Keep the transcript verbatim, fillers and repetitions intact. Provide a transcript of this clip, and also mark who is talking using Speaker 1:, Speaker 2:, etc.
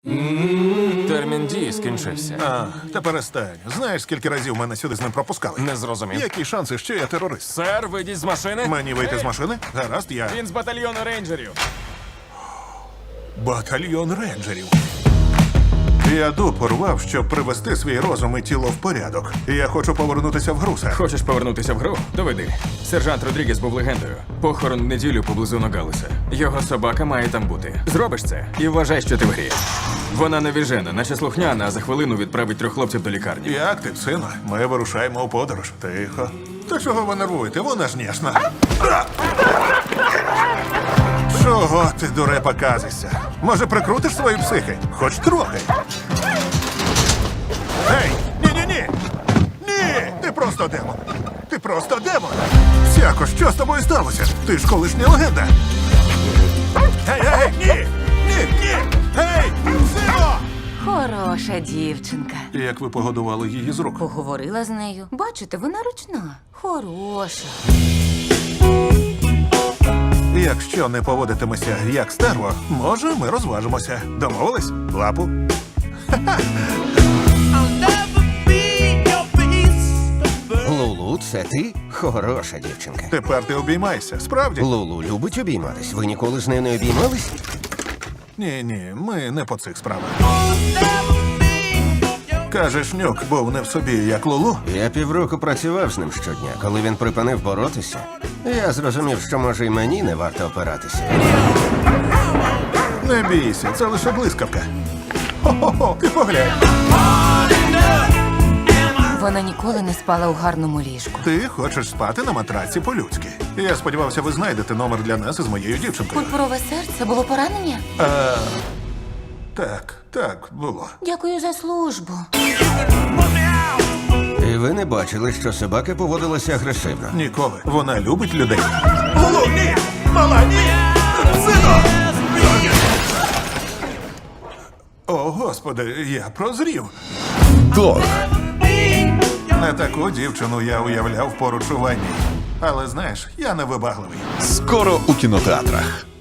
Speaker 1: Термін дії скінчився.
Speaker 2: А, та перестань. Знаєш, скільки разів мене сюди з ним пропускали?
Speaker 1: Не зрозумів.
Speaker 2: Які шанси, що я терорист?
Speaker 1: Сер, вийдіть з машини.
Speaker 2: Мені вийти
Speaker 1: Ей,
Speaker 2: з машини? Гаразд, я
Speaker 1: Він з батальйону рейнджерів.
Speaker 2: батальйон рейнджерів. Я дуб порвав, щоб привести свій розум і тіло в порядок. Я хочу повернутися в гру, сер.
Speaker 1: Хочеш повернутися в гру? Доведи. Сержант Родрігес був легендою. Похорон в неділю поблизу Ногалеса. Його собака має там бути. Зробиш це і вважай, що ти в грі. Вона навіжена, наче слухняна, а за хвилину відправить трьох хлопців до лікарні.
Speaker 2: Як ти, сину? Ми вирушаємо у подорож. Тихо. Та чого ви нервуєте? Вона ж ніжна. А! Чого ти, дурепа, казишся? Може, прикрутиш свої психи? Хоч трохи. Ей! Ні-ні-ні! Ні! Ти просто демон! Ти просто демон! Сяко, що з тобою сталося? Ти ж колишня легенда! Ей, ей, ні! Ні, ні! Ей! Сино!
Speaker 3: Хороша дівчинка.
Speaker 2: Як ви погодували її з рук?
Speaker 3: Поговорила з нею. Бачите, вона ручна. Хороша.
Speaker 2: Якщо не поводитимеся як стерво, може, ми розважимося. Домовились? Лапу?
Speaker 4: Лулу, це ти? Хороша дівчинка.
Speaker 2: Тепер ти обіймайся. Справді?
Speaker 4: Лулу любить обійматись. Ви ніколи з нею не обіймались?
Speaker 2: Ні, ні, ми не по цих справах. Кажеш, нюк був не в собі, як Лулу?
Speaker 4: Я півроку працював з ним щодня. Коли він припинив боротися, я зрозумів, що може і мені не варто опиратися.
Speaker 2: Не бійся, це лише блискавка. Хо-хо-хо, ти поглянь.
Speaker 3: Вона ніколи не спала у гарному ліжку.
Speaker 2: Ти хочеш спати на матраці по-людськи. Я сподівався, ви знайдете номер для нас із моєю дівчинкою.
Speaker 3: Пурпурове серце було поранення?
Speaker 2: А, так, так, було.
Speaker 3: Дякую за службу.
Speaker 4: І ви не бачили, що собака поводилася агресивно.
Speaker 2: Ніколи. Вона любить людей. Лулу, ні! Мала, ні! Сино! О, господи, я прозрів.
Speaker 5: Дог.
Speaker 2: Не таку дівчину я уявляв поруч у ванні. Але знаєш, я не вибагливий.
Speaker 5: Скоро у кінотеатрах.